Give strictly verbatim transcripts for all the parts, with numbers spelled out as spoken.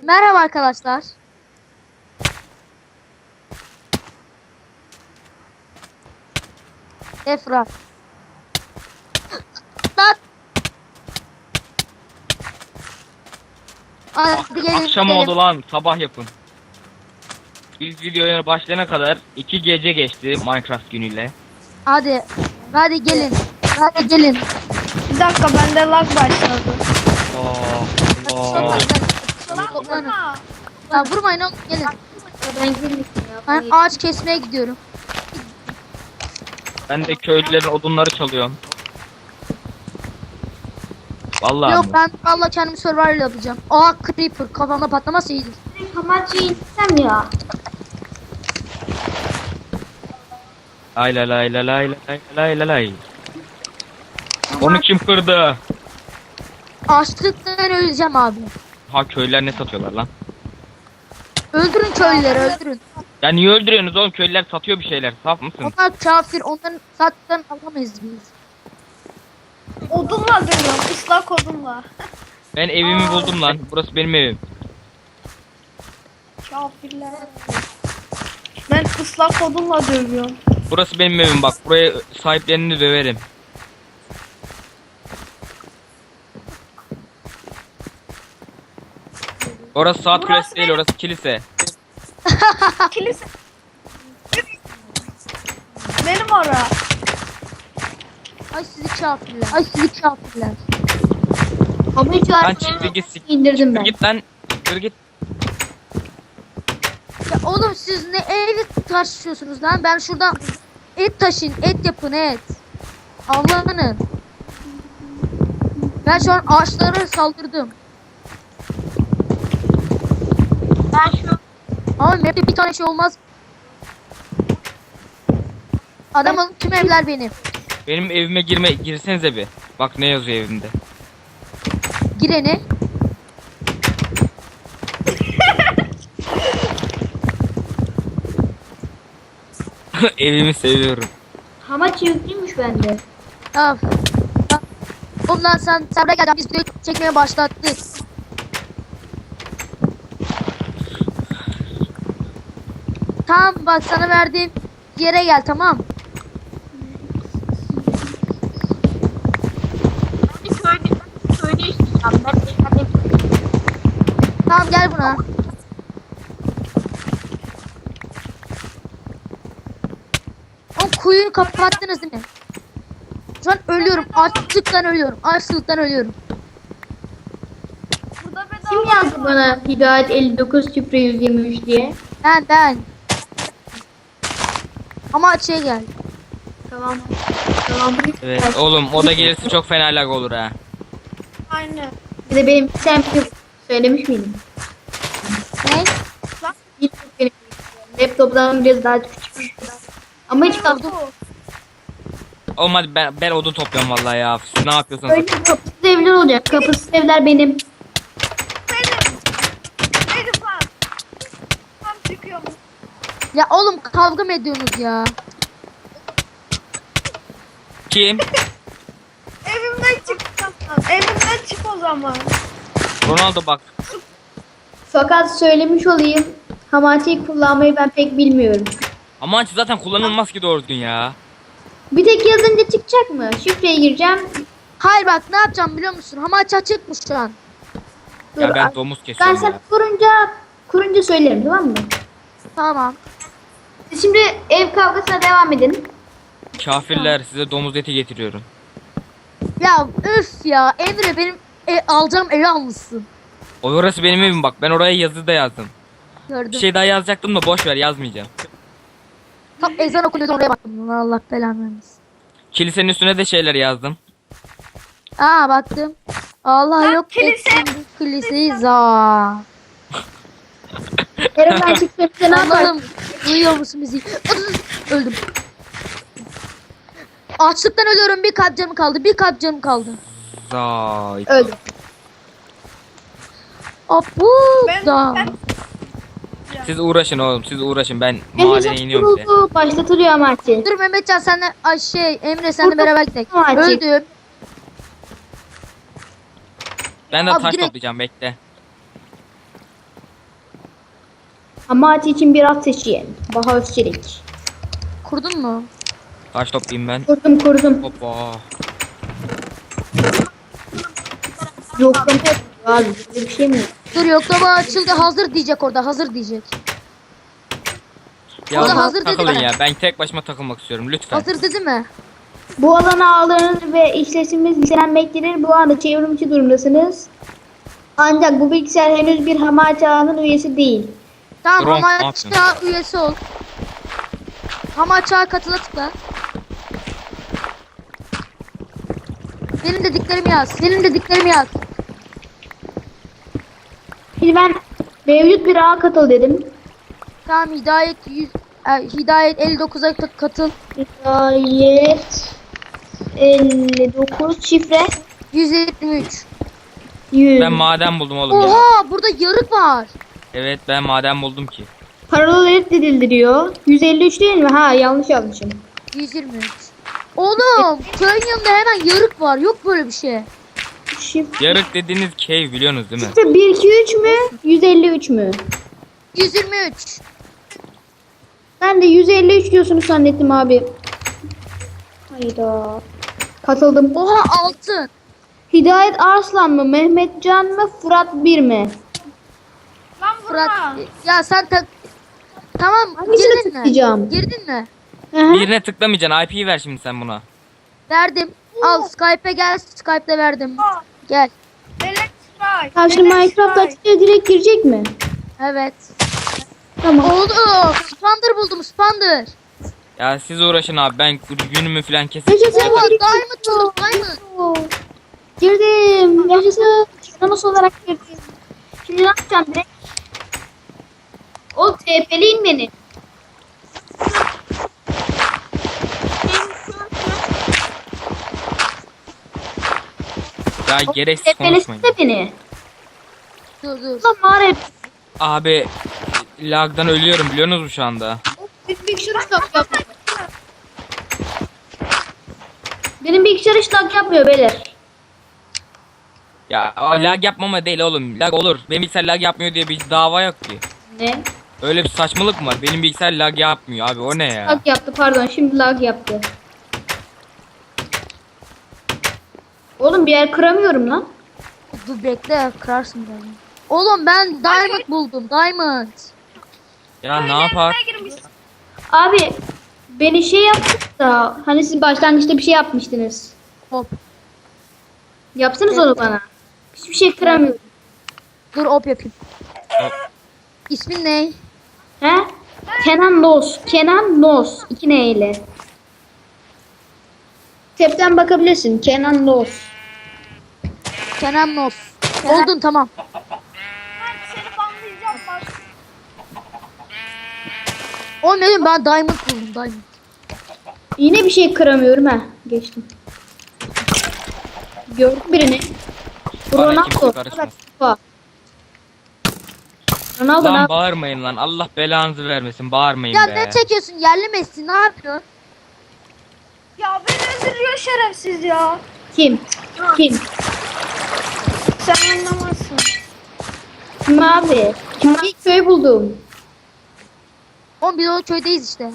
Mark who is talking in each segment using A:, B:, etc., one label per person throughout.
A: Merhaba arkadaşlar. Efra. Lan. Hadi gelin.
B: Akşam
A: gidelim.
B: oldu lan, sabah yapın. Biz videoya başlayana kadar iki gece geçti Minecraft günüyle.
A: Hadi. Hadi gelin. Hadi gelin.
C: Bir dakika bende lag başladı.
B: Oo, oo.
A: Toplanın. Ya vurmayın oğlum gelin. Ben Ben ağaç kesmeye gidiyorum.
B: Ben de köylülerin odunları çalıyorum. Vallahi
A: Yok
B: mi?
A: ben valla kendimi survival yapacağım. Aa creeper kafamda patlaması iyidir.
D: Hamachi'yi insem ya.
B: Lay lay lay lay lay lay lay lay lay. Onu kim kırdı?
A: Açlıktan öleceğim abi.
B: Ha, köylüler ne satıyorlar lan?
A: Öldürün köylüleri öldürün.
B: Ya niye öldürüyorsunuz oğlum? Köylüler satıyor bir şeyler. Saf mısın?
A: Onlar kafir onların zaten alamayız biz.
C: Odunla dövüyorum. Islak odunla.
B: Ben evimi buldum lan. Burası benim evim.
C: Kafirler. Ben ıslak odunla dövüyorum.
B: Burası benim evim bak. Buraya sahiplerini döverim. Orası saat kulesi değil, orası kilise.
C: Kilise. Benim ora.
A: Ay sizi kafirler. Ay sizi kafirler.
D: Hamachi
B: Lan
D: artık
B: çıktı git sik.
D: indirdim ben.
B: Git lan. Dur git.
A: Ya oğlum siz ne evi taşıyorsunuz lan? Ben şuradan et taşıyın, et yapın et. Allah'ını. Ben şu an ağaçlara saldırdım.
D: Ben şu
A: Ama map'te bir tane şey olmaz. Adamın tüm evler benim.
B: Benim evime girme girsenize bir. Bak ne yazıyor evimde.
A: Gireni.
B: Evimi seviyorum.
D: Hamachi yüklüymüş bende.
A: Ya. Ondan sen sen buraya gel. Biz videoyu çekmeye başlattık. Tamam bak sana verdiğim yere gel tamam.
D: Bir söyle, söyle istiyorum. Ben de hadi.
A: Tamam gel buna. O kuyuyu kapattınız değil mi? Şu an ölüyorum. Açlıktan ölüyorum. Açlıktan ölüyorum.
C: Burada bedava.
D: Kim yazdı bana Hidayet elli dokuz şifre yüz yirmi üç diye?
A: Ben ben. Ama açıya gel.
D: Tamam. Tamam.
B: Evet oğlum, o da gelirse çok fena lag olur ha.
C: Aynen.
D: Bir de benim sen söylemiş miydim?
A: Ne?
D: Hiç yok benim. Laptop'dan biraz daha küçük. Ama hiç kaldım.
B: Oğlum hadi ben, ben odun topluyorum vallahi ya. Siz ne yapıyorsunuz?
D: Öyle kapısız evler olacak. Kapısız evler benim.
C: Benim. Benim lan. Tam çıkıyorum.
A: Ya oğlum kavga mı ediyorsunuz ya?
B: Kim?
C: Evimden çık. Evimden çık o zaman.
B: Ronaldo bak.
D: Fakat söylemiş olayım. Hamachi'yi kullanmayı ben pek bilmiyorum.
B: Aman zaten kullanılmaz ki doğru düzgün ya.
D: Bir tek yazınca çıkacak mı? Şifreye gireceğim.
A: Hayır bak ne yapacağım biliyor musun? Hamaç açıkmış şu an.
D: Dur,
B: Ya ben
D: ay-
B: domuz
D: Ben
B: kesiyorum
D: sana
B: ya.
D: kurunca kurunca söylerim tamam mı?
A: Tamam.
D: Siz şimdi ev kavgasına devam edin.
B: Kafirler, size domuz eti getiriyorum.
A: Ya üf ya Emre benim e, alacağım evi almışsın.
B: O orası benim evim bak. Ben oraya yazı da yazdım.
A: Gördüm.
B: Bir şey daha yazacaktım da boş ver, yazmayacağım.
A: Tam ezan okunuyordu oraya baktım. Lan Allah belanı vermesin.
B: Kilisenin üstüne de şeyler yazdım.
A: Aa baktım. Allah
C: Lan
A: yok
C: kilise.
A: etsin bu kiliseyi za.
D: Eren ben çıksam ne yaparsın?
A: Allah'ım duyuyor musun bizi? Öldüm. Açlıktan ölüyorum. Bir kalp canım kaldı. Bir kalp canım kaldı.
B: Zay.
D: Öldüm.
A: Apu
C: Ben,
A: da.
C: ben
B: Siz uğraşın oğlum, siz uğraşın. Ben
D: Benim
B: madene
D: hesap
B: iniyorum bile.
D: kuruldu. Başlatılıyor Hamachi.
A: Dur Mehmetcan senle ay şey Emre senle
D: Burada
A: beraber gidelim.
D: var, çek.
A: Öldüm.
B: Ben de
A: Abi
B: taş
A: direkt-
B: toplayacağım, bekle.
D: Hamati için bir at seçin. Baha Özçelik.
A: Kurdun mu?
B: Kaç toplayayım ben?
D: Kurdum kurdum.
B: Hoppa.
D: Yoklama yapıyor abi. Böyle bir şey mi?
A: Dur yoklama açıldı. Hazır diyecek orada. Hazır diyecek.
B: Ya
A: O da
B: oğlum,
A: hazır dedi
B: takılın
A: mi?
B: ya. Ben tek başıma takılmak istiyorum lütfen.
A: Hazır dedi mi?
D: Bu alana ağlarınız ve işletiminiz listelenmektedir. Bu anda çevrimçi durumdasınız. Ancak bu bilgisayar henüz bir Hamati ağının üyesi değil.
A: Tamam
B: Drone, ne
A: Hamaç'a üyesi ol. Hamaç'a katıla tıkla. Benim dediklerimi yaz. Benim dediklerimi yaz.
D: Şimdi ben mevcut bir ağa katıl dedim.
A: Tamam Hidayet yüz, e, Hidayet elli dokuza ta- katıl.
D: Hidayet elli dokuz şifre
A: yüz yirmi üç.
D: yüz.
B: Ben maden buldum oğlum ya.
A: Oha burada yarık var.
B: Evet ben maden buldum ki.
D: Paralel edildiriyor. yüz elli üç değil mi? Ha yanlış yazmışım.
A: yüz yirmi üç. Oğlum köyün yanında hemen yarık var. Yok böyle bir şey.
D: Şifre
B: Yarık dediğiniz cave biliyorsunuz değil mi?
D: bir iki üç mü? yüz elli üç mü?
A: yüz yirmi üç.
D: Ben de yüz elli üç diyorsunuz zannettim abi. Hayda. Katıldım.
A: Oha altın.
D: Hidayet Arslan mı? Mehmetcan mı? Fırat bir mi?
C: Lan
A: Fırat.
C: vurma.
A: Ya sen tak. Tamam
D: Hangisine
A: girdin mi?
D: tıklayacağım?
A: Girdin mi?
D: Hı hı.
B: Birine tıklamayacaksın. I P'yi ver şimdi sen buna.
A: Verdim. Al Skype'e gel. Skype'de verdim. Gel.
C: Electrify.
D: Ha şimdi Minecraft açınca direkt girecek mi?
A: Evet.
D: Tamam.
A: Oldu. Spander buldum. Spander.
B: Ya siz uğraşın abi. Ben günümü falan kesip.
D: Yaşasın.
A: Oha diamond buldum. Diamond.
D: Girdim. Yaşasın. Namus olarak girdim. Şimdi ne yapacağım direkt? O TP'leyin beni.
B: Ya gereksiz
D: TP'lesin
B: konuşmayın.
D: de beni.
A: Dur dur.
D: Ulan mağara.
B: Abi lagdan ölüyorum biliyorsunuz mu şu anda?
D: Benim bilgisayar hiç lag yapmıyor. Benim bilgisayar hiç lag yapmıyor beyler.
B: Ya o lag yapmama değil oğlum. Lag olur. Benim bilgisayar lag yapmıyor diye bir dava yok ki.
D: Ne?
B: Öyle bir saçmalık mı var? Benim bilgisayar lag yapmıyor abi. O ne ya?
D: Lag yaptı pardon şimdi lag yaptı. Oğlum bir yer kıramıyorum lan.
A: Dur bekle kırarsın beni. Oğlum ben diamond buldum. Diamond.
B: Ya ne yapar?
D: Abi beni şey yaptık da hani siz başlangıçta bir şey yapmıştınız.
A: Hop.
D: Yapsınız onu bana. Hiçbir şey kıramıyorum.
A: Dur hop yapayım.
B: Hop.
A: İsmin ne?
D: He? Kenan Nos. Kenan Nos. İki ne ile. Tepten bakabilirsin. Kenan Nos.
A: Kenan Nos. Oldun tamam.
C: Ben seni banlayacağım bak.
A: Oğlum dedim ben diamond buldum. Diamond.
D: Yine bir şey kıramıyorum ha. Geçtim. Gördüm birini. Bu
B: Bana
D: Ronaldo.
B: kimse karışmaz.
D: Bak. Ronaldo ne
B: Lan
D: yap-
B: bağırmayın lan. Allah belanızı vermesin. Bağırmayın
A: Ya
B: be.
A: ne çekiyorsun? Yerli Messi ne yapıyorsun?
C: Ya beni öldürüyor şerefsiz ya.
D: Kim? Kim?
C: Sen anlamazsın.
D: Kim abi? Bir köy buldum.
A: Oğlum biz o köydeyiz işte.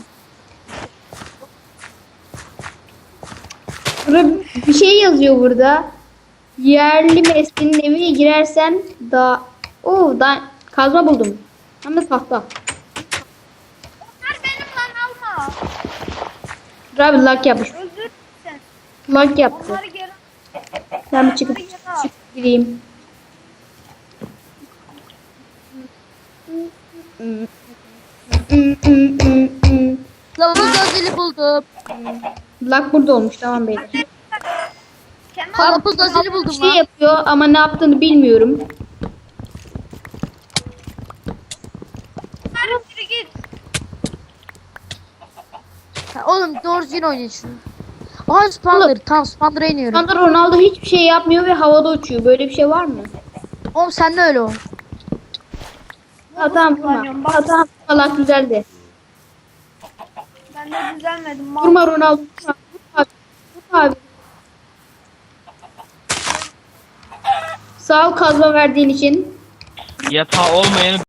D: Burada bir şey yazıyor burada. Yerli Mesleğinin evine girersen da Oo da kazma buldum. Hem de tahta.
C: Onlar benim lan alma.
D: Dur abi lag yapmış.
C: Öldür sen.
D: Lag yaptı.
C: Onları geri
D: Ben bir çıkıp, çıkıp gireyim.
A: Lavabo gazeli buldum.
D: Lag burada olmuş tamam beyler.
C: Kenan
A: Karpuz gazeli
D: Bir
A: buldum
D: şey
A: lan.
D: yapıyor ama ne yaptığını bilmiyorum.
C: ver biri git.
A: Ha, oğlum doğru düzgün oynayın şunu. Aha Spander. Tamam Spander'a iniyorum.
D: Şu anda Ronaldo hiçbir şey yapmıyor ve havada uçuyor. Böyle bir şey var mı?
A: Oğlum sen de öyle ol.
D: Ha tamam vurma. Ha tamam lag güzeldi.
C: Ben de düzelmedim. Mal.
D: Vurma Ronaldo. Vurma abi. Vurma abi. Sağ ol kazma verdiğin için.
B: Yatağı olmayanı